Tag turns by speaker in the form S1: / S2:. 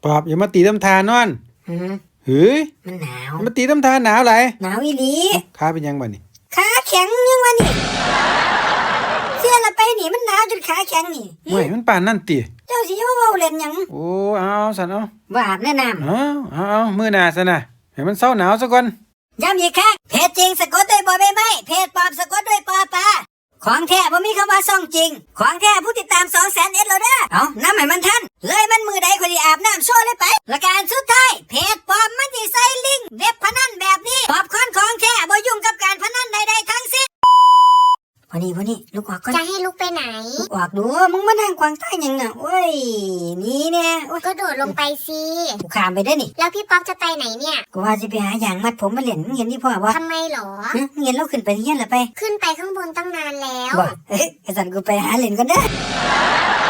S1: ปอบอย่ามาตีตำทานอน
S2: หืม
S1: เฮ้ย
S2: มันหนาว
S1: มาตีตำทานหนาวไร
S2: หนาวอีหลี
S1: ขาเป็นยังบ่นี่
S2: ขาแข็งยังวะนี่เสื้อละไปนี่มันหนาวจนขาแข็งนี่
S1: เมื่อยมันปานนั่นติ
S2: เจ้าสิมาเว้าเล่นหยัง
S1: โอ้เอาสันเอา
S2: บ่อาบแนะนำ
S1: เอามื้อหน้าซะนะให้มันเซาหนาวซะก่อน
S2: ย้ำอีกครั้งเพจจริงสะกดด้วยบ่ใบไม้เพจปลอมสะกดด้วยปอปลาของแท้บ่มีคำว่าซ่องจริงของแท้ผู้ติดตาม200,000เอ็ดแล้วเด้อเอาน้ำให้มันทันเลยมันมือใดคนที่อาบน้ำโชว์เลยไปและการสุดท้ายเพจปลอมมันสิใส่ลิงก์เว็บพนันแบบนี้ปอบคอนของแท้บ่ยุ่งกับการพนันใดๆทั้งสิ้นพอนี่ลูกออกก่อน
S3: จะให้ลูกไปไหน
S2: ลูกออกดูมึงมานั่งกวางใต้ยังน่ะโอ้ยนี่แน่
S3: ก็โดดลงไปสิ
S2: กูข้ามไปได้นี่
S3: แล้วพี่ป๊อปจะไปไหนเนี่ย
S2: กูว่าจะไปหาอย่างมัดผมมาเล่นเห็นนี่พ่อบ่
S3: ทำไมหรอ
S2: เห็นเราขึ้นไปที่ยันละไป
S3: ขึ้นไปข้างบนตั้งนานแล้ว
S2: บ่ไอ้สันกูไปหาเล่นกันเด้อ